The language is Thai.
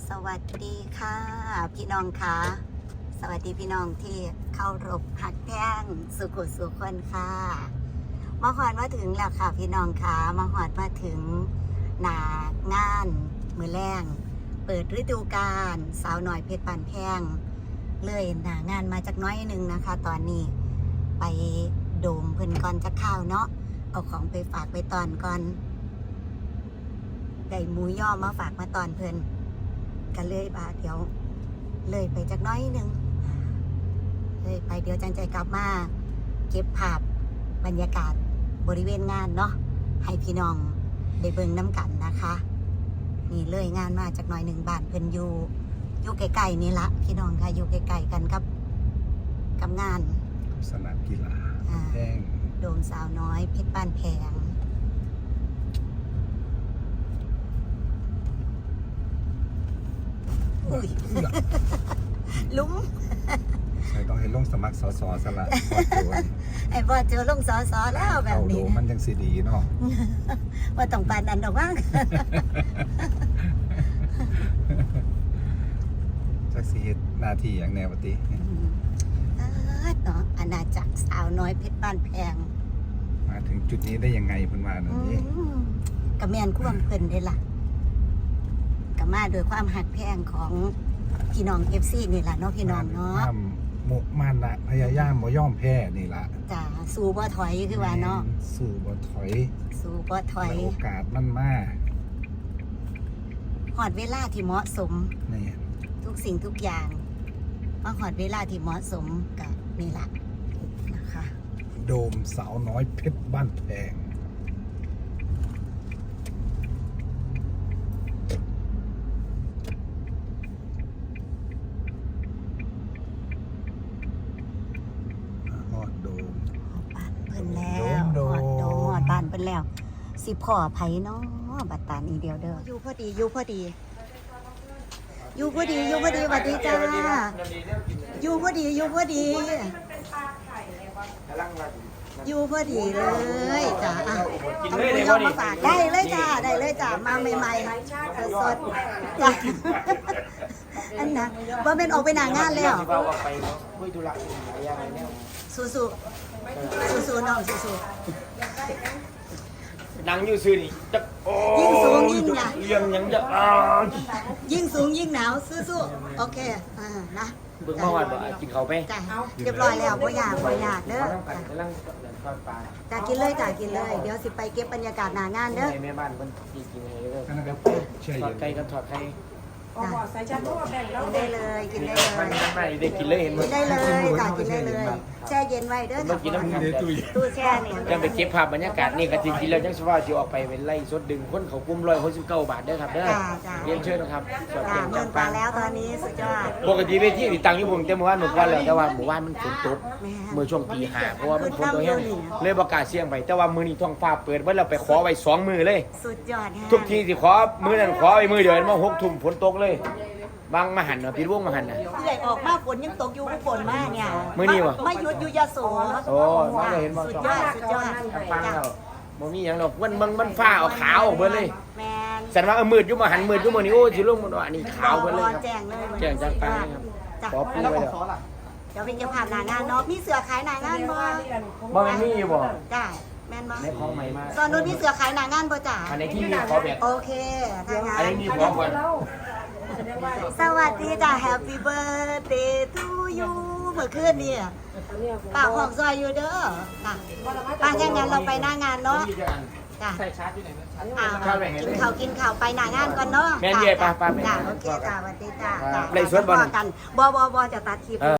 สวัสดีค่ะพี่น้องค่ะสวัสดีพี่น้องที่เข้ารบหักแท่งสุขุสุขคนค่ะมาหอดมาถึงแล้วค่ะพี่น้องค่ะมาหอดมาถึงหนางานมือแรงเปิดฤดูกาลสาวหน่อยเพชรปานแพงเลยหนางานมาจากน้อยหนึ่งนะคะ ตอนนี้ไปโดมเพิ่นก่อนจะข้าวเนาะเอาของไปฝากไปตอนก่อนได้หมูย่อมาฝากมาตอนเพิ่นกันเลยบาเดี๋ยวเลยไปจากน้อยหนึ่งเลยไปเดี๋ยวจังใจกลับมาเก็บภาพบรรยากาศบริเวณงานเนาะให้พี่น้องได้เบิ่งน้ำกันนะคะนี่เลยงานมาจากน้อยหนึ่งบ้านเพิ่นอยู่ใกล้ๆนี่ละพี่น้องค่ะอยู่ใกล้ๆกันกับงานสนามกีฬาแห้งโดมสาวน้อยเพชรบ้านแพงลุ้มใช่ต้องให้ลงสมัครสสสละไอ้บอเจอลงสอแล้วแบบนี้มันยังสีดีเนาะว่าต้องปานอันดอกว่างจักสีนาทีอย่างแนวปฏิเนาะอาณาจักรสาวน้อยเพชรบ้านแพงมาถึงจุดนี้ได้ยังไงเพิ่นว่าหน่อยนี้กระแมนควมเพิ่นได้ล่ะกระมาโดยความหักแพงของพี่น้องเอฟซีนี่แหละเนาะพี่น้องเนาะมุกมันละพยายามบ่ย่อมแพ้นี่ละจ้าสู้บ่ถอยคือว่าเนาะสู้บ่ถอยโอกาสมันมาหอดเวลาที่เหมาะสมนี่ทุกสิ่งทุกอย่างมาหอดเวลาที่เหมาะสมกับนี่ละนะคะโดมสาวน้อยเพชรบ้านแพงฮอดโดมบ้านเพิ่นแล้วฮอดโดมฮอดบ้านเพิ่นแล้วสิพ่อไผเนาะบัดตานี้เดียวเด้ออยู่พอดีสวัสดีจ้าอยู่พอดีอยู่พอดีเลยจ้าอยู่พอดีจ้าเอามาฝากได้เลยจ้ามาใหม่ๆสดๆจ้าอันนะว่าเป็นออกไปหนางานแล้วสู้น้องสู้นั่งอยู่ซื่อนี่จะยิ่งสูงยิ่งหนาวเลี้ยงยังจะยิ่งสูงยิ่งหนาวสู้โอเคนะเบิ่งมาว่ากินเขาไปจ้าเรียบร้อยแล้วบ่อยากเด้อจ้ากินเลยเดี๋ยวสิไปเก็บบรรยากาศหน้างานเด้อแม่บ้านเพิ่นกินให้เด้อทอดไก่กับทอดไข่ใส่ชาโต้แบ่งแล้วได้เลยกินได้เลยไม่ได้กินเลยเห็นมั้ยได้เลยจ้ากินได้เลยแช่เย็นไว้เด้อกินน้ำแข็งตู้แช่เนี่ยยังไปเก็บภาพบรรยากาศนี่ก็จริงๆแล้วจังสิว่าสิออกไปเป็นไล่สดดึงคนเขากุม169 บาทเด้อครับเด้อเรียนเชิญนะครับสดเงินปลาแล้วตอนนี้สุดยอดปกติเวทีที่ตั้งอยู่ผมแต่เมื่อวานหมดวันแล้วแต่ว่าหมู่บ้านมันฝนตกเมื่อช่วงตี 5เพราะว่ามันฝนตกแห้งเลยประกาศเสี่ยงไปแต่ว่ามื้อนี้ท้องฟ้าเปิดเบิดแล้วไปขอไว้2มื้อเลยสุดยอดทุกทีสิขอมื้อนั้นขอไว้มื้อเดียวมา6 ทุ่มฝนตกเลยบางมหันต์พี่วงมหันต์เรื่อยออกมาฝนยังตกอยู่ฝนมากเนี่ยมื้อนี้บ่ไม่หยุดอยู่ยะโสโอ้มาเห็นบ่สุดยอดฟังแล้วบ่มีหยังดอกมันฟ้าออกขาวออกเบิดเลยแม่นแสดงว่ามืดอยู่มหันต์มืดอยู่มื้อนี้โอ้สิลงบ่อันนี้ขาวเบิดเลยครับแจ้งจังไปครับขอปูไว้แล้วเดี๋ยวเป็นจะผ่านหน้างานเนาะมีเสือขายหน้างานบ่มันมีอยู่บ่จ้าแม่นบ่ในของใหม่มาตอนนู้นมีเสือขายหน้างานบ่จ้าอันไหนที่มีขอแบบโอเคถ้างั้นอันนี้มีพร้อมก่อนสวัสดีจ้า Happy Birthday to you เมื่อคืนนี่ป้าหอมซอยอยู่เด้อค่ะป้าแค่งั้นเราไปหน้างานเนาะจ้าใส่ชาร์จอยู่ไหนกินข่าวไปหน้างานก่อนเนาะแม่นเย่ป้าจ้าโอเคจ้าสวัสดีจ้าเลยสวนบอลกันบอจะตัดคลิป